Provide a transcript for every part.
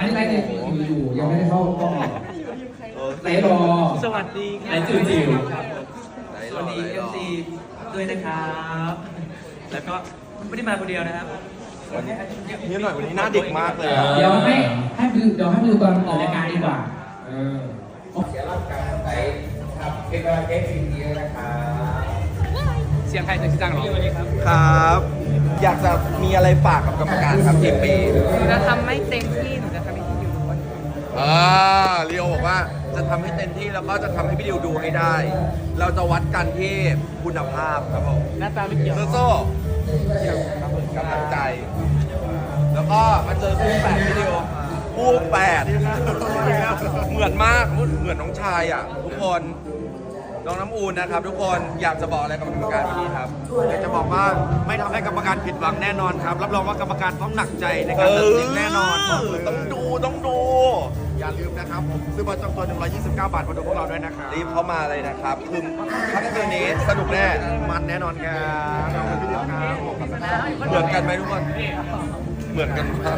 อันนี้ไลฟ์ในอยู่ยังไม่ได้เข้ากล้องไหนรอสวัสดีครับจิ๋วจิ๋วสวัสดีFCด้วยนะครับแล้วก็ไม่ได้มาคนเดียวนะครับนี่หน่อยวันนี้หน้าเด็กมากเลยเดี๋ยวให้ดูตอนออกรายการดีกว่าเสียร่างกายไปครับเป็นกำลังใจสิ่งดีนะครับเสียงใครเสียงชิจังหรอครับ อยากจะมีอะไรฝากกับกรรมการครับทีมปีหนูจะทำไม่เต็มที่หนูจะทำให้ที่อยู่ทุกคนลีโอบอกว่าจะทำให้เต็มที่แล้วก็จะทำให้พี่ดิวดูให้ได้ เราจะวัดกันที่คุณภาพครับผมหน้าตาไม่เกี่ยวโซ่กำลังใจ แล้วก็มาเจอคู่แฝดพี่ดิวคู่แฝดเหมือนมากเหมือนน้องชายอ่ะทุกคนน้องน้ำอูนนะครับทุกคนอยากจะบอกอะไรกับกรรมการวันนี้ครับอยากจะบอกว่าไม่ทำให้กรรมการผิดหวังแน่นอนครับรับรองว่ากรรมการต้องหนักใจในการตัดสินแน่นอนต้องดูอย่าลืมนะครับผมซื้อบัตรจองตัว129 บาทมาดูพวกเราด้วยนะครับรีบเข้ามาเลยนะครับคือค่ำคืนนี้สนุกแน่มันแน่นอนครับขอบคุณพี่ดิวครับเหมือนกันไหมทุกคนเหมือนกันครับ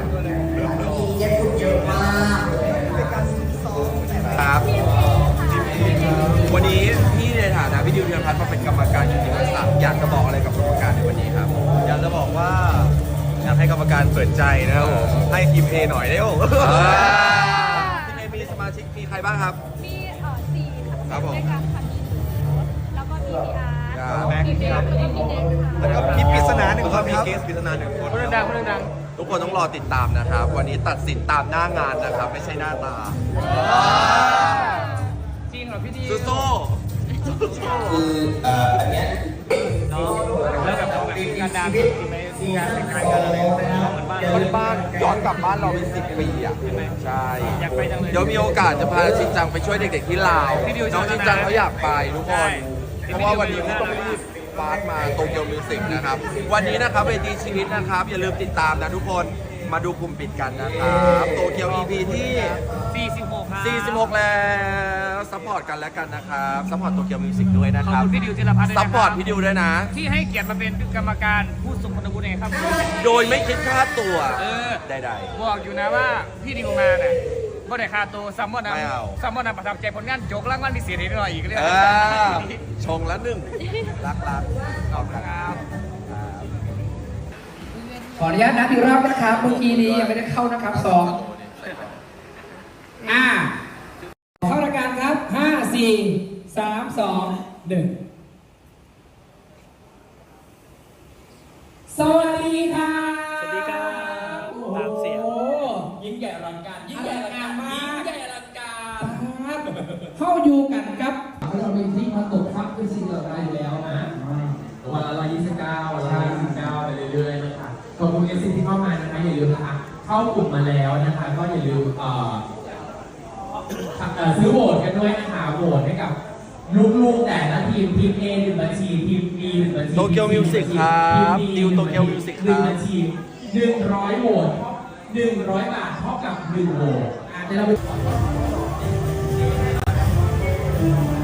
ครับวันนี้พี่ในฐานะพี่ดิวเทียนพัฒน์มาเป็นกรรมการกิตติมศักดิ์อยากจะบอกอะไรกับกรรมการในวันนี้ครับอยากจะบอกว่าอยากให้กรรมการเปิดใจนะครับผมให้ทีม A หน่อยได้โอ้ทีม A มีสมาชิกมีใครบ้างครับมีสี่ค่ะครับผมด้วยกันค่ะมีแล้วก็มีพี่อาร์ตครับมีเบลแล้วก็มีเด็กค่ะแล้วก็มีปริศนาหนึ่งคนมีเกสปริศนาหนึ่งคนคนดังคนดังทุกคนต้องรอติดตามนะครับ วันนี้ตัดสินตามหน้างานนะครับ ไม่ใช่หน้าตาจริงเหรอพี่ดีโซ่คืออันเนี้ยเนาะแล้วแบบการดังจริงไหมการแต่งกายกันอะไรเหมือนบ้านคนบ้านย้อนกลับบ้านเราเป็น10 ปีอ่ะใช่อยากไปจังเลยเดี๋ยวมีโอกาสจะพาชินจังไปช่วยเด็กๆที่ลาวพี่ดิวน้องชินจังเขาอยากไปทุกคใช่น เพราะว่าวันนี้เขาต้องรีบฟาสต์มาโตเกียวมิวสิกนะครับ วันนี้นะครับเวทีชีวิตนะครับ อย่าลืมติดตามนะทุกคนมาดูกลุ่มปิดกันนะครับโตเกียว EP ที่ 46ครับ 46 แล้วซัพพอร์ตกันแล้วกันนะครับซัพพอร์ตโตเกียวมิวสิกด้วยนะขอบครับคุณพี่ดิวจิรพัฒน์ด้วยซันะพคพอร์รัตบพี่ดิวด้วยนะที่ให้เกียรติมาเป็นกรรมการผู้ทรงคุณวุฒิในครับโดยไม่คิดค่าตัว ใดบอกอยู่นะว่าพี่ดิวมาเนี่ยบ่ได้ค่าตัวซัมมอนนะไม่เอาซัมมอนนะประทับใจผลงานจกรางวัลพิเศษให้หน่อยอีกเรื่องชงละหนึ่งรักขอบคุณครับขออนุญาตนับอีกรอบนะครับเมื่อกี้นี้ยังไม่ได้เข้านะครับ2เข้ารายการครับ5 4 3 2 1สวัสดีค่ะสวัสดีครับตามเสียงโอ้ยิ่งใหญ่อลังการยิ่งใหญ่อลังการมากยิ่งใหญ่อลังการเข้าอยู่กันครับเราเป็นที่มาตกทับเป็นสิ่งเหล่านั้นอยู่แล้วนะวันละ129วันละ129ไปเรื่อยๆนะคะขอบคุณเอฟซีที่เข้ามานะคะอย่าลืมนะคะเข้ากลุ่มมาแล้วนะคะก็อย่าลืมซื้อโหวตกันด้วยนะคะโหวตให้กับลูกๆแต่ละทีมทีม A 1 บัญชีทีม B 1 บัญชีโตเกียวมิวสิกครับดิวโตเกียวมิวสิกครับ 1 บัญชี100โหวต100 บาทเท่ากับ1โหวตเดี๋ยวเราไป